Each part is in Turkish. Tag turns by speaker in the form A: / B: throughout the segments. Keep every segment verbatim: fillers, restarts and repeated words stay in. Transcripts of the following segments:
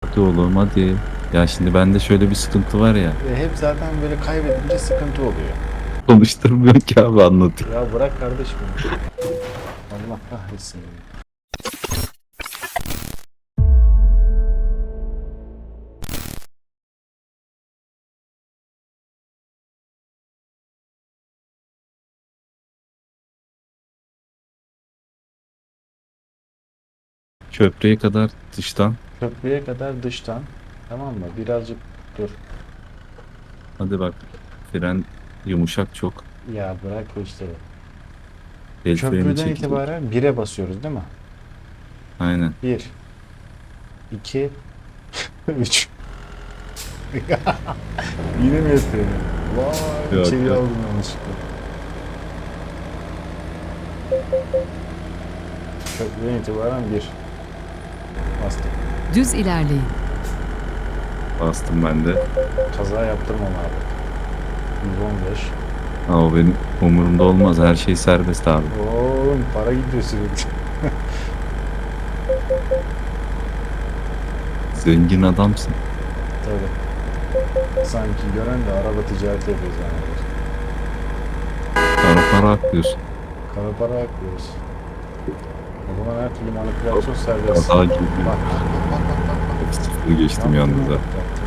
A: Hadi oğlum hadi. Ya şimdi bende şöyle bir sıkıntı var ya.
B: Ve hep zaten böyle kaybedince sıkıntı oluyor.
A: Konuşturmuyor ki abi anlatayım.
B: Ya bırak kardeşim. Allah kahretsin.
A: Köprüye kadar dıştan.
B: Köprüye kadar dıştan. Tamam mı? Birazcık dur.
A: Hadi bak. Fren yumuşak çok.
B: Ya bırak bu işleri.
A: El freni
B: Köprüden
A: çekilir.
B: itibaren bire basıyoruz değil mi?
A: Aynen.
B: Bir, iki, üç. Yine mi yapıyorum? Vay,
A: Yok
B: içeri
A: yok.
B: aldım yanlışlıkla. Köprüden itibaren bir. Bastım.
C: Düz ilerleyin.
A: Bastım ben de.
B: Kaza yaptırmam abi. yüz on beş.
A: Ha, o benim umurumda olmaz. Her şey serbest abi.
B: Oğlum para gidiyor sürekli.
A: Zengin adamsın.
B: Tabii. Sanki gören de araba ticareti yapıyoruz yani.
A: Para para aklıyorsun.
B: Kara para aklıyoruz. O zaman her türlü manipülasyon serbest.
A: Kaza gibi.
B: Bak bak bak bak bak bak.
A: Sıfır geçtim
B: Yaptın
A: yalnız
B: mı?
A: ha.
B: Yaptın.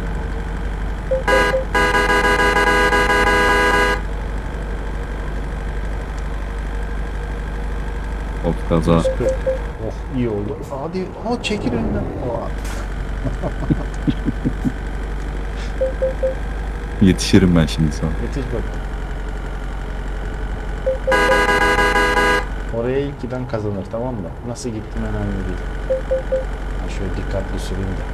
A: Of kaza.
B: yüz kırk. Oh iyi oldu. Hadi o çekil önünden. Oha.
A: Yetişirim ben şimdi sana.
B: Yetiş bak. Oraya ilk giden kazanır, tamam mı? Nasıl gittim önemli değil. Ha, şöyle dikkatli süreyim de.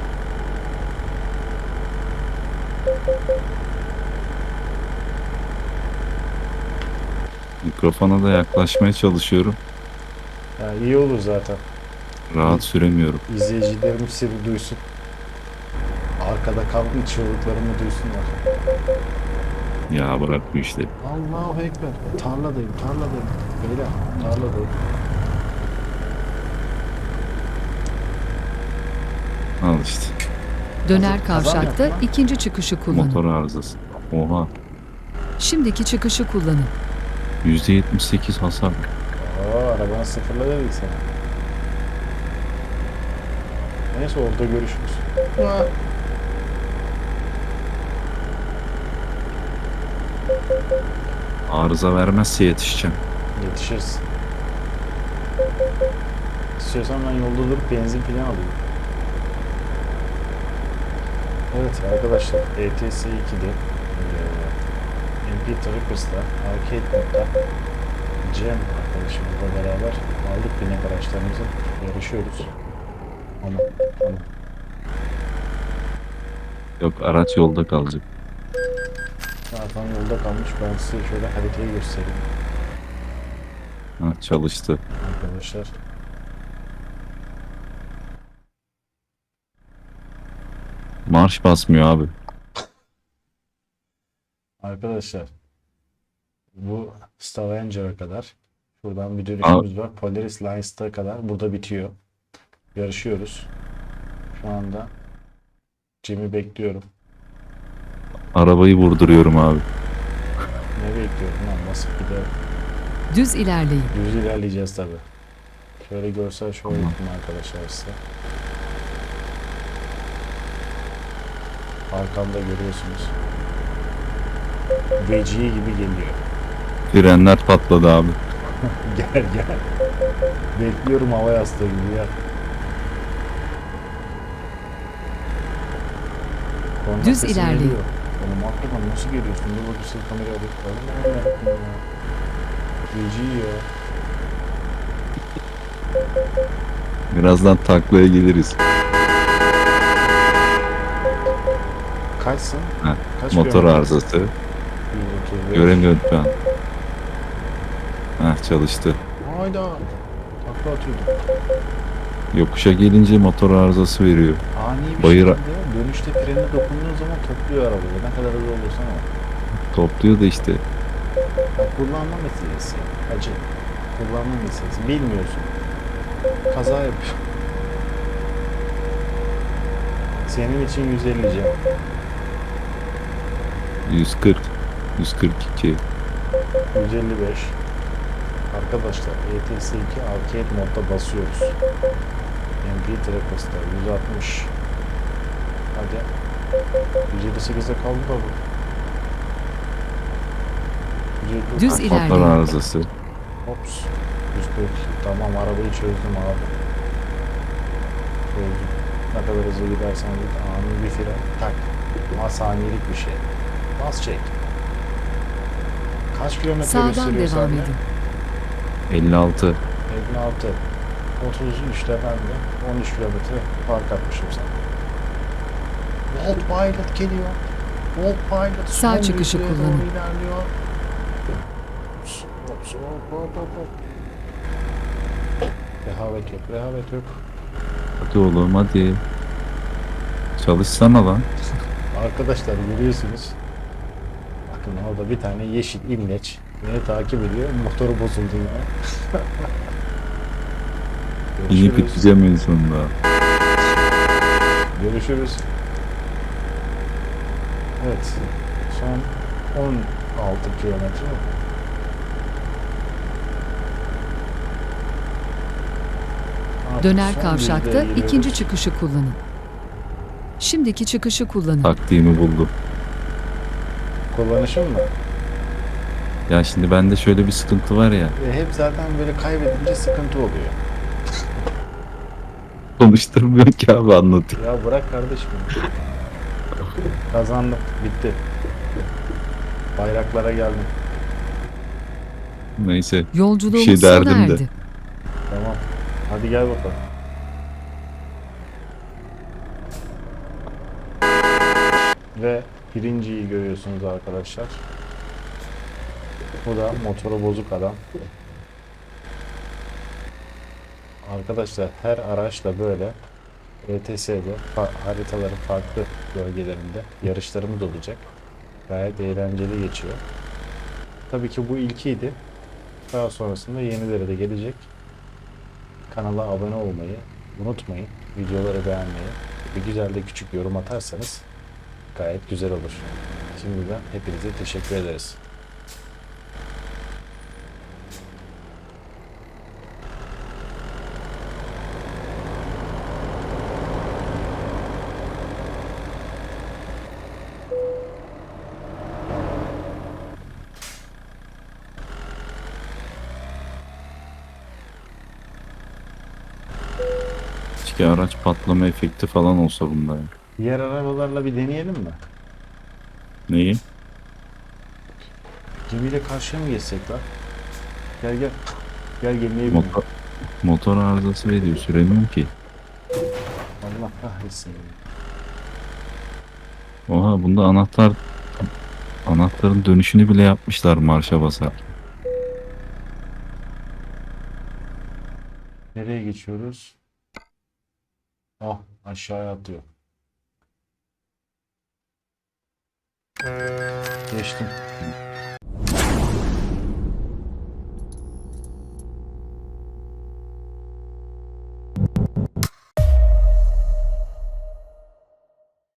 A: Mikrofona da yaklaşmaya çalışıyorum.
B: Ya iyi olur zaten.
A: Rahat süremiyorum.
B: İzleyicilerim seni duysun. Arkada kalmış çığlıklarımı duysunlar.
A: Ya bırak bu işleri.
B: Allahu Ekber. Tarladayım, tarladayım. Beyler, tarladayım.
A: Al işte.
C: Döner
B: Kaza
C: kavşakta
B: yapma.
C: ikinci çıkışı kullanın.
A: Motor arızası. Oha.
C: Şimdiki çıkışı kullanın.
A: yüzde yetmiş sekiz hasar.
B: Aa, arabanı sıfırla dedik sana. Neyse orada görüşürüz. Ha.
A: Arıza vermezse yetişeceğim.
B: Yetişiriz. İstiyorsan ben yolda durup benzin falan alayım. Evet arkadaşlar, E T S ikide M P Trackers'la Arcade modda Cem arkadaşımızla beraber aldık binek araçlarımızı, yarışıyoruz. Ama ama
A: Yok araç yolda kalacak.
B: zaten yolda kalmış. Ben size şöyle haritayı göstereyim
A: Ha, çalıştı.
B: arkadaşlar.
A: Marş basmıyor abi.
B: Arkadaşlar bu Stavanger'a kadar, şuradan bir dönüşümüz var. Polaris Lines'ta kadar burada bitiyor. Yarışıyoruz. Şu anda Cem'i bekliyorum.
A: Arabayı vurduruyorum abi.
B: Ne bekliyorum lan? Basıp gidelim.
C: Düz ilerleyin.
B: Düz ilerleyeceğiz tabi. Şöyle görsel şöyle
A: Tamam.
B: yapayım arkadaşlar size. Arkamda görüyorsunuz. Vecihi gibi geliyor.
A: Frenler patladı abi.
B: Gel gel. Bekliyorum hava yastığı gibi ya. Korna
C: Düz
B: sesi
C: ilerleyin.
B: geliyor. Oğlum hakikaten nasıl geliyorsun? Dur bakayım seni kameraya alayım. Allah'ım yarabbim ya. Vecihi ya.
A: Birazdan taklaya geliriz.
B: Kaçsın?
A: Ha,
B: Kaç
A: motor
B: kilometre?
A: arızası.
B: yüz otuz beş.
A: Göremiyorum şu an. Heh, çalıştı.
B: Hayda. Takla atıyordum.
A: Yokuşa gelince motor arızası veriyor.
B: Ani bir
A: Bayıra-
B: şekilde dönüşte frene dokunduğun zaman topluyor arabayı. Ne kadar hızlı olursan ol.
A: Topluyor da işte.
B: Bak, kullanma meselesi. Acı. Kullanma meselesi. Bilmiyorsun. Kaza yapıyor. Senin için yüz elli Cem.
A: yüz kırk. yüz kırk iki.
B: yüz elli beş. Arkadaşlar E T S iki Arcade modda basıyoruz. M P Trackers'ta yüz altmış. Hadi. yüz elli sekize kaldı da bu. yüz elli
C: Düz
B: Hops.
C: ilerleyin.
A: Motor arızası.
B: Hops. yüz kırk. Tamam, arabayı çözdüm abi. Çözdüm. Ne kadar hızlı gidersen git. Ani bir fren. Tak. Ama saniyelik bir şey. Bas çek. Kaç kilometre
C: Sağdan
B: gösteriyor
C: devam
B: sende?
C: edin.
A: elli altı.
B: elli altı. otuz üçte ben de on üç kilometre fark atmışım sana. Volt Pilot geliyor. Volt Pilot
C: Sağ
B: son
C: çıkışı
B: düzlüğe
C: kullanın.
B: doğru ilerliyor. Hops, hops, hop, hop, hop, hop. Rehavet yok, rehavet yok.
A: Hadi oğlum hadi. Çalışsana lan.
B: Arkadaşlar görüyorsunuz. Bakın orada bir tane yeşil imleç beni takip ediyor. Motoru bozuldu yine.
A: İyi
B: Görüşürüz.
A: biteceğim en sonunda.
B: Görüşürüz. Evet. Son on altı kilometre. Artık
C: Döner
B: son
C: kavşakta
B: yüzdeye giriyoruz.
C: ikinci çıkışı kullanın. Şimdiki çıkışı kullanın.
A: Taktiğimi buldum.
B: Kullanışım mı?
A: Ya şimdi bende şöyle bir sıkıntı var ya.
B: E, hep zaten böyle kaybedince sıkıntı oluyor.
A: Konuşturmuyor ki abi, anlatayım.
B: Ya bırak kardeşim. Kazandım. Bitti. Bayraklara geldim.
A: Neyse.
C: Yolculuğumuz
A: Bir şey
C: sona
A: derdim de.
C: erdi.
B: Tamam. Hadi gel bakalım. Ve birinciyi görüyorsunuz arkadaşlar. Bu da motoru bozuk adam. Arkadaşlar her araçla böyle E T S'de fa- haritaların farklı bölgelerinde yarışlarımız olacak. Gayet eğlenceli geçiyor. Tabii ki bu ilkiydi. Daha sonrasında yenileri de gelecek. Kanala abone olmayı unutmayın. Videoları beğenmeyi, bir güzel de küçük yorum atarsanız gayet güzel olur. Şimdiden hepinize teşekkür ederiz.
A: Keşke araç patlama efekti falan olsa bunda ya.
B: Diğer arabalarla bir deneyelim mi?
A: Neyi?
B: Gemiyle karşıya mı geçsek lan? Gel gel. Gel gemiye bin.
A: Motor, motor arızası veriyor. Süremiyorum ki.
B: Allah kahretsin.
A: Oha, bunda anahtar anahtarın dönüşünü bile yapmışlar marşa basar.
B: Nereye geçiyoruz? Ah, aşağıya atıyor. Geçtim.